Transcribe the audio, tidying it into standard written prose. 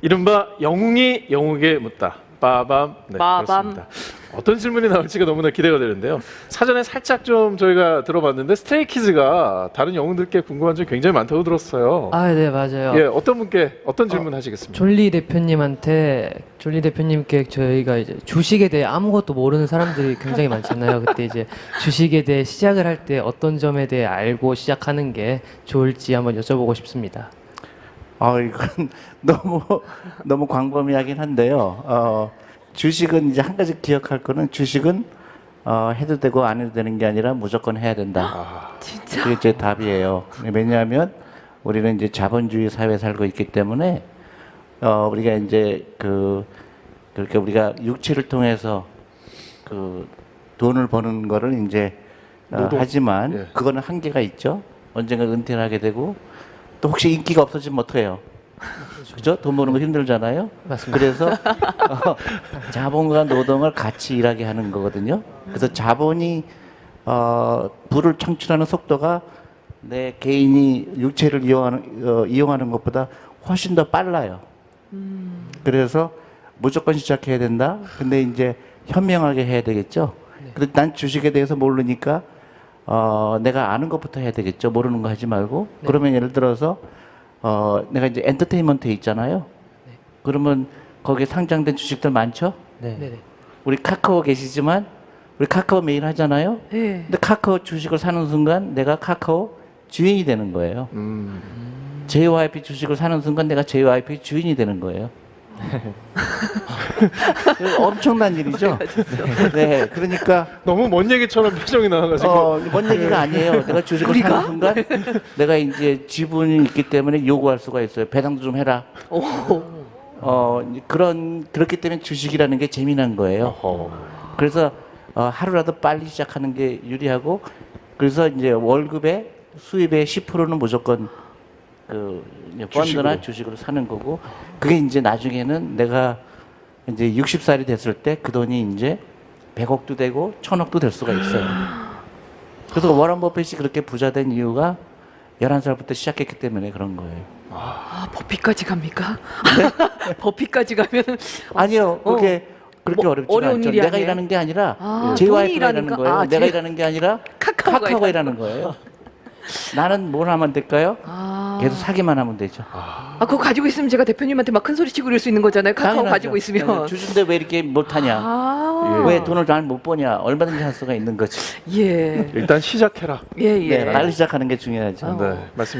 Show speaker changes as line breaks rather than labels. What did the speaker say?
이른바 영웅이 영웅에게 묻다. 빠밤. 네,
빠밤.
그렇습니다. 어떤 질문이 나올지가 너무나 기대가 되는데요. 사전에 살짝 좀 저희가 들어봤는데 스트레이키즈가 다른 영웅들께 궁금한 점이 굉장히 많다고 들었어요.
아, 네, 맞아요.
예, 어떤 분께 어떤 질문 하시겠습니까?
졸리 대표님께 저희가 이제 주식에 대해 아무것도 모르는 사람들이 굉장히 많잖아요. 그때 이제 주식에 대해 시작을 할 때 어떤 점에 대해 알고 시작하는 게 좋을지 한번 여쭤보고 싶습니다.
이건 너무 광범위하긴 한데요. 주식은 이제 한 가지 기억할 거는 주식은 해도 되고 안 해도 되는 게 아니라 무조건 해야 된다.
진짜.
그게 제 답이에요. 왜냐하면 우리는 이제 자본주의 사회에 살고 있기 때문에 우리가 이제 그렇게 우리가 육체를 통해서 그 돈을 버는 거를 이제 하지만
예.
그거는 한계가 있죠. 언젠가 은퇴를 하게 되고 또 혹시 인기가 없어지면 어떡해요? 그죠? 돈 버는 거 힘들잖아요.
맞습니다.
그래서 자본과 노동을 같이 일하게 하는 거거든요. 그래서 자본이 부를 창출하는 속도가 내 개인이 육체를 이용하는 것보다 훨씬 더 빨라요. 그래서 무조건 시작해야 된다. 근데 이제 현명하게 해야 되겠죠. 근데 난 주식에 대해서 모르니까 내가 아는 것부터 해야 되겠죠. 모르는 거 하지 말고.
네.
그러면 예를 들어서 내가 이제 엔터테인먼트에 있잖아요.
네.
그러면 거기에 상장된 주식들 많죠?
네네.
우리 카카오 계시지만 우리 카카오 매일 하잖아요.
네.
근데 카카오 주식을 사는 순간 내가 카카오 주인이 되는 거예요. JYP 주식을 사는 순간 내가 JYP 주인이 되는 거예요. 엄청난 일이죠. 네, 그러니까
너무 먼 얘기처럼 표정이 나와가지고.
뭔 얘기가 아니에요. 내가 주식을 사는 순간 내가 이제 지분이 있기 때문에 요구할 수가 있어요. 배당도 좀 해라. 그렇기 때문에 주식이라는 게 재미난 거예요. 그래서 하루라도 빨리 시작하는 게 유리하고, 그래서 이제 월급의 수입의 10%는 무조건 펀드나 주식으로 사는 거고, 그게 이제 나중에는 내가 이제 60살이 됐을 때 그 돈이 이제 100억도 되고 1000억도 될 수가 있어요. 그래서 워런 버핏이 그렇게 부자 된 이유가 11살부터 시작했기 때문에 그런 거예요.
버피까지 갑니까? 버피까지 가면
아니요, 그렇게 어렵지
어려운
않죠.
일이
내가
아니에요?
일하는 게 아니라
돈이
JYP가
일하는
일하는
거?
거예요. 내가
제-
일하는 게 아니라
카카오가
카카오가 일하는 거예요. 나는 뭘 하면 될까요? 계속 사기만 하면 되죠.
그거 가지고 있으면 제가 대표님한테 막 큰 소리 치고 이럴 수 있는 거잖아요. 카카오
당연하죠.
가지고 있으면.
주주인데 왜 이렇게 못하냐? 왜 돈을 잘 못 버냐? 얼마든지 할 수가 있는 거지.
예.
일단 시작해라.
예, 예.
네, 빨리 시작하는 게 중요하죠.
네, 말씀.